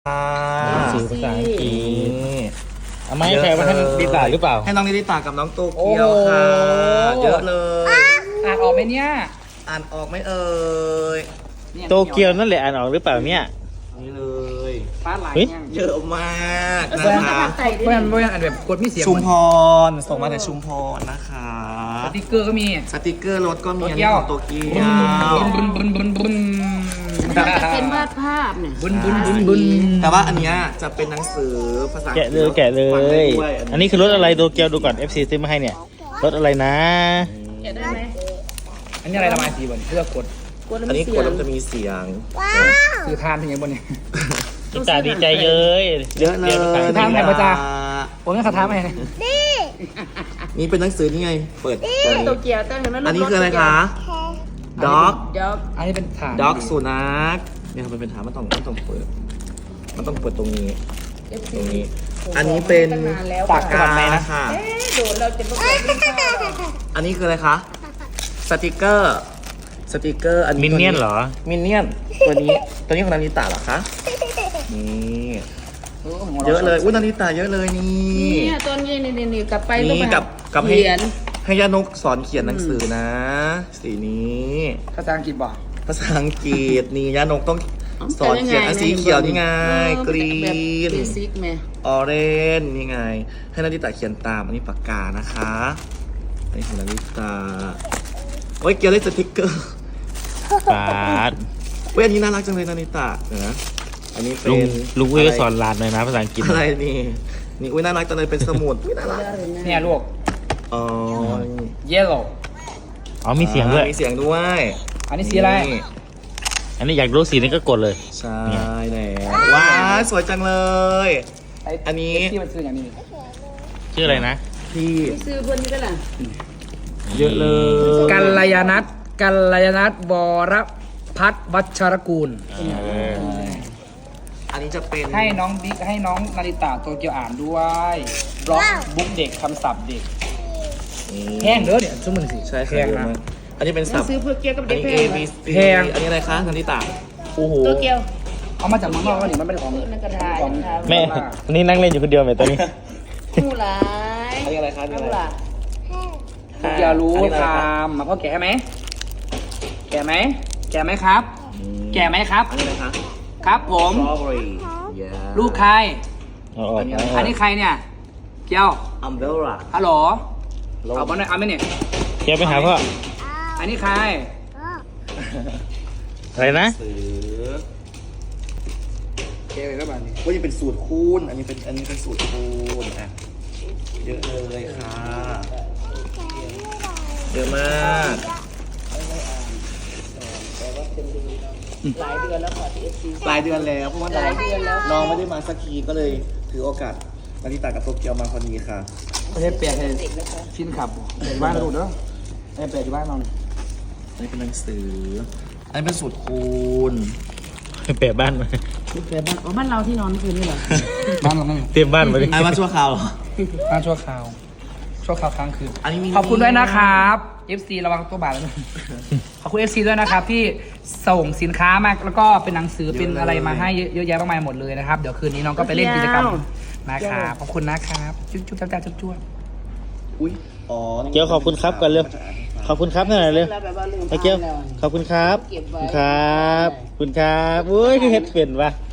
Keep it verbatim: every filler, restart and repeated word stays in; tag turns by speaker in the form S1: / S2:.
S1: สื่อภาษาอังกฤษเอาไหมใครมาให้ดิตาหรือเปล่า
S2: ให้น้องนิริตากับน้องโตเกียวค่ะเยอะเลย
S3: อ่านออกไหมเนี่ย
S2: อ่านออกไหมเอ่ย
S1: โตเกียวนั่นแหละอ่านออกหรือเปล่าเนี่ย
S2: นี่เลย
S3: ฟ้าไหล
S2: เยอะมากนะคะ
S3: เพื่อนเพื่อนอ่านแบบกดไม่เสียง
S2: ชุมพรส่งมาแต่ชุมพรนะคะ
S3: สติกเกอร์ก็มี
S2: สติกเกอร์รถก็มีอันนี้ของโตเกียว
S3: บุนบุนบุนบุน
S4: จะเป็นวาดภาพเนี่ย
S3: บุนบุนบุนบุน
S2: แต่ว่าอันนี้จะเป็นหนังสือภาษา
S1: แกะเลยแกะเลยอันนี้คือรถอะไรโตเกียวดูก่อน เอฟ ซี ซื้อมาให้เนี่ยรถอะไรนะ
S4: แกะได้ไหม
S3: อันนี้อะไรระบายสีบนเพื่อกด
S2: อันนี้กดแล้วจะมีเสียง
S3: คือทานถึงยังบนเนี่ย
S1: ดิตาดีใจเยอะ
S2: เยอะเลย
S3: คือทานไหนพระจ้าผมไม่ขาท้าไหม
S2: นี่เป็นหนังสือนี่ไงเปิด
S4: โตเกียวตั้งแต่ไม่รู้
S2: อันนี้คืออะไรคะด็อก
S4: ด็อก
S3: อันนี้เป็นฐาน
S2: ด็อกสุนัขเนี่ยมันเป็นฐานมันต้องมันต้องเปิดมันต้องเปิดตรงนี้ตรงนี้อันนี้เป็นปากกานะคะ
S4: โดนเราจะไม่ได้
S2: อันนี้คืออะไรคะสติกเกอร์สติกเกอร์อันนี้
S1: มินเนี่ยนเหรอ
S2: มินเนี่ยนตัวนี้ตัวนี้ของนาริตะเหรอคะนี่เยอะเลยอุ้ยนาริตะเยอะเลยนี่
S4: นี่ตัวนี้นี่นี่กลับไป
S2: นี่กับกับให้
S4: เขียน
S2: ให้ย่านกสอนเขียนหนังสือนะสีนี้
S3: ภาษาอังกฤษบอก
S2: ภาษาอังกฤษนี่ย่านกต้องสอนเขียนสีเขียวนี่ไงกรีนออเรนนี่ไงให้นาริตะเขียนตามอันนี้ปากกานะคะอันนี้ของนาริตะโอ้ยเกี่ยวได้สติกเกอร์
S1: ปาด
S2: เว้ยอันนี้น่ารักจังเลยนาริตะนะอันนี้เป็น
S1: ลุงอุ้ยก็สอนหลานเลยนะภาษาอังกฤษ
S2: อะไรนี่นี่อุ้ยน่ารักจังเลยเป็นสมุดน่ารัก
S3: เนี่ยลูก
S2: อ๋อ
S3: yellow
S1: อ๋อมีเสียงด้วย
S2: มีเสียงด้วย
S3: อันนี้สีอะไร
S1: อันนี้อยากรู้สีนี้ก็กดเลย
S2: ใช่แล้วว้าวสวยจังเลยอันนี้
S3: ที่มันซื้ออย่างนี้
S1: ชื่ออะไรนะ
S2: ที่
S4: ซื้อคนนี้ก็ล่ะ
S2: เยอะเลย
S3: กัลยาณัฐกัลยาณัฐบรพัฒน์วัชรกูล
S2: อันนี้จะเป็น
S3: ให้น้องบิ๊กให้น้องนาริตะโตเกียวอ่านด้วยบล็อกบุ๊กเด็กคำศัพท์เด็กแห้งเด้อเนี่ยชั่วโมงสิ
S2: ใช่แพงนะอันนี้เป็นศัพท์
S4: ซื้อเพื่อเกี่ยวกับเด็ก
S2: แพงอันนี้อะไรคะนาริตะ
S4: โอ้โหโตเกียว
S3: เอามาจากเมืองนอกแล้วนี่มันเป็นของ
S4: ของ
S1: แม่นี่นั่งเล่นอยู่คนเดียวไหมตอนนี้
S4: ผู้ร้าย
S2: อันนี้อะไรคะอันนี้อะไร
S3: อย่ารู้ทำมาพ่อแก่ไหมแก่ไหมแก่ไหมครับแก่ไหมครับ
S2: อันนี้อะไรคะ
S3: ครับผมลูกใครอันนี้ใครเนี่ยเกียว
S2: อัมเบลล่า
S3: ฮัลโหลเอาบอลหน่อยเอาไหมเนี่ย
S1: เกียวไปหาพ่อ
S3: อันนี้ใคร
S1: อะไรนะ
S3: เกียวก็แบบนี้
S2: ว่าจะเป็นสูตรคูณอันนี้เป็นอันนี้เป็นสูตรคูณอ่ะเยอะเลยค่ะเยอะมาก
S4: หลายเดือนแล้วค่ะที่เอฟซี
S2: หลายเดือนแล้วเพราะว่าน้องไม่ได้มาสักทีก็เลยถือโอกาสนาริตะกับโตเกียวมาพอดีค่ะ
S3: ไม่ใช่แปลกเลยฟินขับแปลกบ้านเราดูเนาะไอ้แปลกที่บ้านเราเนี่ย
S2: อันนี้เป็นหนังสืออันนี้เป็นสูตรคูณ
S1: แปะบ้านมา
S4: แปะบ้านอ๋อบ้านเราที่นอนคืนนี่เหรอ
S3: บ้านเรา
S1: เตรียมบ้านมาดิ
S2: ไอ้บ้านชั่วคราว
S3: บ้านชั่วคราวชั่วคราวค้างคืนขอบคุณด้วยนะครับ เอฟ ซี ระวังตัวบาดแล้วขอบคุณ เอฟ ซี ด้วยนะครับที่ส่งสินค้ามาแล้วก็เป็นหนังสือเป็นอะไรมาให้เยอะแยะมากมายหมดเลยนะครับเดี๋ยวคืนนี้น้องก็ไปเล่นกิจกรรมนะครับขอบคุณนะครับจุ๊บจุ๊บจ้าจ้าจุ๊บจุ๊บ
S2: อุ้ยอ๋อ
S1: เกียวขอบคุณครับกันเร็วขอบคุณครับหน่อยเร็วไอ้เกียวขอบคุณครับขอบคุณครับคุณครับอุ้ยคือเฮ็ดเป็นวะ